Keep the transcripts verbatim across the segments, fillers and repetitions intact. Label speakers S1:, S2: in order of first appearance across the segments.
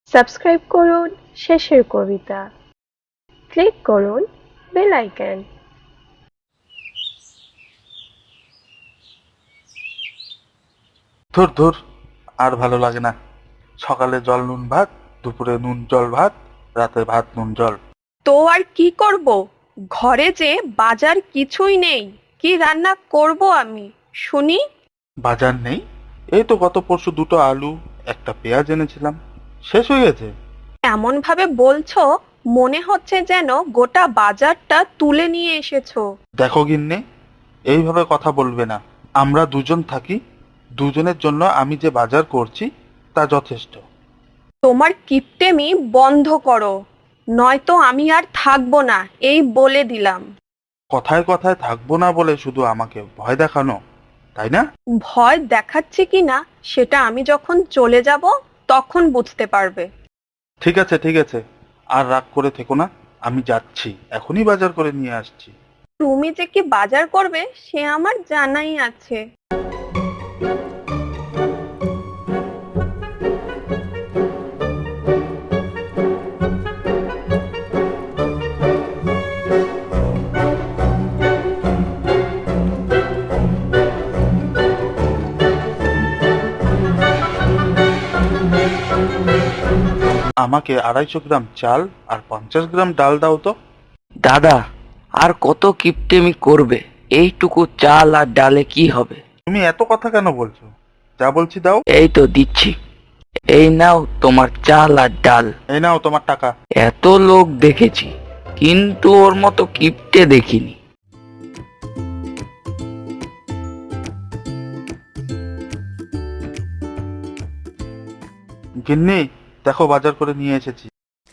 S1: Subscribe করুন শেষের কবিতা, ক্লিক করুন বেল আইকন।
S2: ধুর ধুর, আর ভালো লাগে না। সকালে জল নুন ভাত, দুপুরে নুন জল ভাত, রাতে ভাত নুন জল।
S3: তো আর কি করব, ঘরে যে বাজার কিছুই নেই, কি রান্না করব আমি শুনি।
S2: বাজার নেই? এই তো গত পরশু দুটো আলু একটা পেঁয়াজ এনেছিলাম, শেষ হয়ে গেছে।
S3: এমন ভাবে বলছো, মনে হচ্ছে যেন গোটা বাজারটা তুলে নিয়ে এসেছো।
S2: দেখো গিন্নি, এইভাবে কথা বলবে না। আমরা দুজন থাকি, দুজনের জন্য আমি যে বাজার করছি তা যথেষ্ট।
S3: তোমার কিপটেমি বন্ধ করো, নয়তো আমি আর থাকবো না, এই বলে দিলাম।
S2: কথায় কথায় থাকবো না বলে শুধু আমাকে ভয় দেখানো, তাই না?
S3: ভয় দেখাচ্ছি কিনা সেটা আমি যখন চলে যাব তখন বুঝতে পারবে।
S2: ঠিক আছে ঠিক আছে, আর রাগ করে থেকো না। আমি যাচ্ছি, এখনই বাজার করে নিয়ে আসছি।
S3: তুমি যে কি বাজার করবে সে আমার জানাই আছে।
S2: আমাকে আড়াইশো গ্রাম চাল আর পঞ্চাশ গ্রাম ডাল দাও তো।
S4: দাদা, আর কত কিপটেমি করবে? এইটুকু চাল আর ডালে কি হবে?
S2: তুমি এত কথা কেন বলছো? যা বলছি দাও।
S4: এই তো দিচ্ছি। এই নাও তোমার চাল আর ডাল।
S2: এই নাও তোমার টাকা।
S4: এত লোক দেখেছি, কিন্তু ওর মতো কিপটে দেখিনি।
S2: গিন্নি, দেখো বাজার করে নিয়ে এসেছি।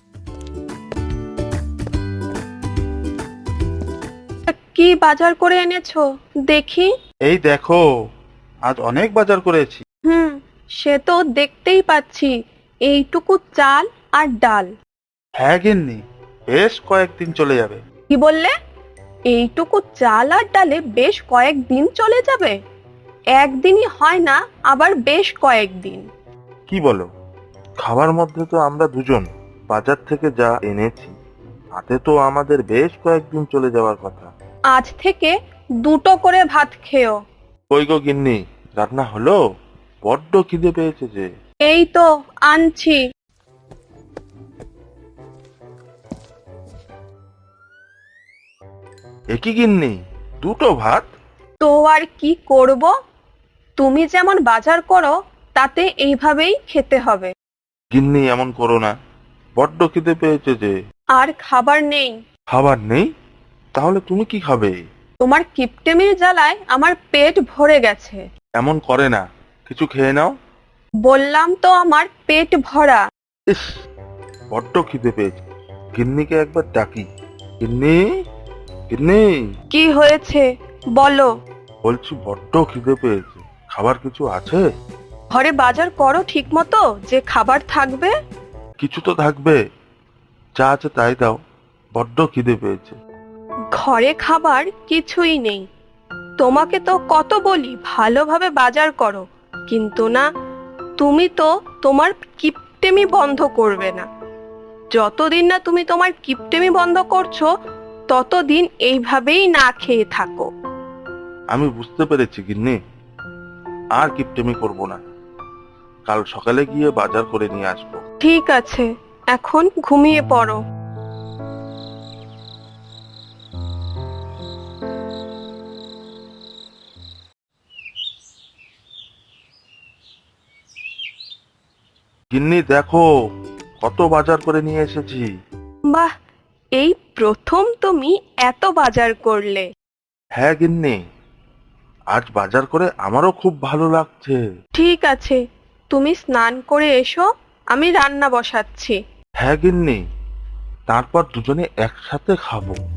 S3: কি বাজার করে এনেছো দেখি?
S2: এই দেখো, আজ অনেক বাজার করেছি।
S3: হুম, সে তো দেখতেই পাচ্ছি, এইটুকু চাল আর ডাল।
S2: হ্যাঁ গিন্নি, বেশ কয়েকদিন চলে যাবে।
S3: কি বললে? এইটুকু চাল আর ডালে বেশ কয়েকদিন চলে যাবে? একদিনই হয় না, আবার বেশ কয়েকদিন।
S2: কি বলো? খাবার মধ্যে তো আমরা দুজন বাজার থেকে যা এনেছি তাতে তো আমাদের বেশ কয়েকদিন চলে যাওয়ার কথা।
S3: আজ থেকে দুটো করে ভাত খেও।
S2: কই গো গিন্নি, রান্না হলো? বড্ড খিদে পেয়েছে যে।
S3: এই তো আনছি।
S2: একই গিন্নি, দুটো ভাত?
S3: তো আর কি করব, তুমি যেমন বাজার করো তাতে এইভাবেই খেতে হবে।
S2: গিন্নি এমন করো না, বড্ড খিদে পেয়েছে যে।
S3: আর খাবার নেই।
S2: খাবার নেই? তাহলে তুমি কি খাবে?
S3: তোমার কিপটেমির জ্বালায় আমার পেট ভরে গেছে।
S2: এমন করে না, কিছু খেয়ে নাও।
S3: বললাম তো আমার পেট ভরা।
S2: ইস, বড্ড খিদে পেয়েছে। গিন্নিকে একবার ডাকি। গিন্নি, গিন্নি,
S3: কি হয়েছে বলো?
S2: বলছি বড্ড খিদে পেয়েছে, খাবার কিছু আছে?
S3: ঘরে বাজার করো ঠিক মতো যে খাবার থাকবে।
S2: কিছু তো থাকবে, যা আছে তাই দাও, বড্ড খিদে পেয়েছে।
S3: ঘরে খাবার কিছুই নেই। তোমাকে তো কত বলি ভালোভাবে বাজার করো, কিন্তু না, তুমি তো তোমার কিপটেমি বন্ধ করবে না। যতদিন না তুমি তোমার কিপটেমি বন্ধ করছো ততদিন এইভাবেই না খেয়ে থাকো।
S2: আমি বুঝতে পেরেছি গিন্নি, আর কিপটেমি করব না। কাল সকালে গিয়ে বাজার করে নিয়ে আসবো।
S3: ঠিক আছে, এখন ঘুমিয়ে পড়ো।
S2: গিন্নি দেখো, কত বাজার করে নিয়ে এসেছি।
S3: বাহ, এই প্রথম তুমি এত বাজার করলে।
S2: হ্যাঁ গিন্নি, আজ বাজার করে আমারও খুব ভালো লাগছে।
S3: ঠিক আছে, তুমি স্নান করে এসো, আমি রান্না বসাচ্ছি।
S2: হ্যাঁ গিন্নি, তারপর দুজনে একসাথে খাবো।